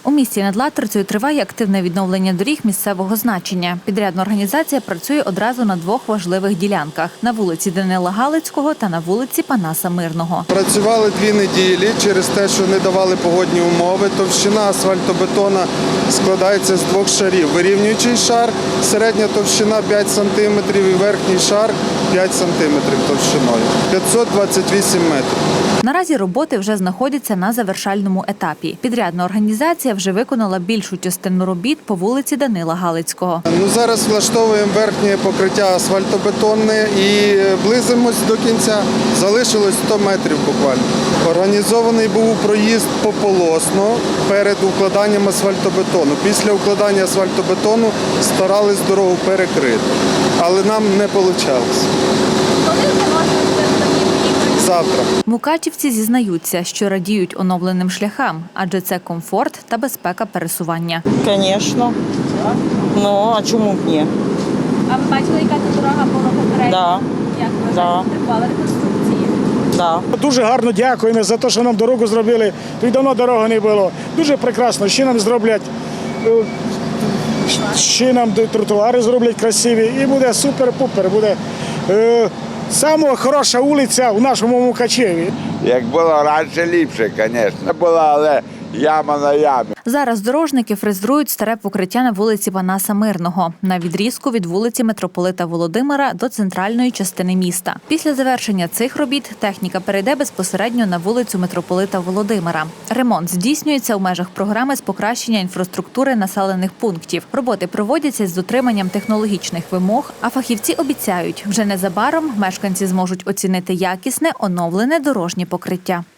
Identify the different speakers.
Speaker 1: У місті над Латрицею триває активне відновлення доріг місцевого значення. Підрядна організація працює одразу на двох важливих ділянках – на вулиці Данила Галицького та на вулиці Панаса Мирного.
Speaker 2: Працювали 2 неділі через те, що не давали погодні умови. Товщина асфальтобетона складається з 2 шарів. Вирівнюючий шар, середня товщина 5 см і верхній шар 5 см товщиною. 528 метрів.
Speaker 1: Наразі роботи вже знаходяться на завершальному етапі. Підрядна організація вже виконала більшу частину робіт по вулиці Данила Галицького.
Speaker 2: Зараз влаштовуємо верхнє покриття асфальтобетонне і близимось до кінця. Залишилось 100 метрів буквально. Організований був проїзд пополосно перед укладанням асфальтобетону. Після укладання асфальтобетону старались дорогу перекрити, але нам не вийшло. Завтра.
Speaker 1: Мукачівці зізнаються, що радіють оновленим шляхам, адже це комфорт та безпека пересування.
Speaker 3: Звісно. Ну, а чому б ні?
Speaker 4: А ви бачили, яка тут дорога була попередня?
Speaker 3: Да.
Speaker 4: Як ви
Speaker 3: Да.
Speaker 4: потребували реконструкції?
Speaker 3: Да.
Speaker 5: Дуже гарно дякуємо за те, що нам дорогу зробили. Тут давно дороги не було. Дуже прекрасно. Ще нам зроблять, ще нам тротуари зроблять красиві. І буде супер-пупер. Буде сама хороша вулиця у нашому Мукачеві.
Speaker 6: Як було раніше, ліпше, звісно. Була, але яма на ямі.
Speaker 1: Зараз дорожники фрезерують старе покриття на вулиці Панаса Мирного на відрізку від вулиці Митрополита Володимира до центральної частини міста. Після завершення цих робіт техніка перейде безпосередньо на вулицю Митрополита Володимира. Ремонт здійснюється у межах програми з покращення інфраструктури населених пунктів. Роботи проводяться з дотриманням технологічних вимог, а фахівці обіцяють, вже незабаром мешканці зможуть оцінити якісне, оновлене дорожнє покриття.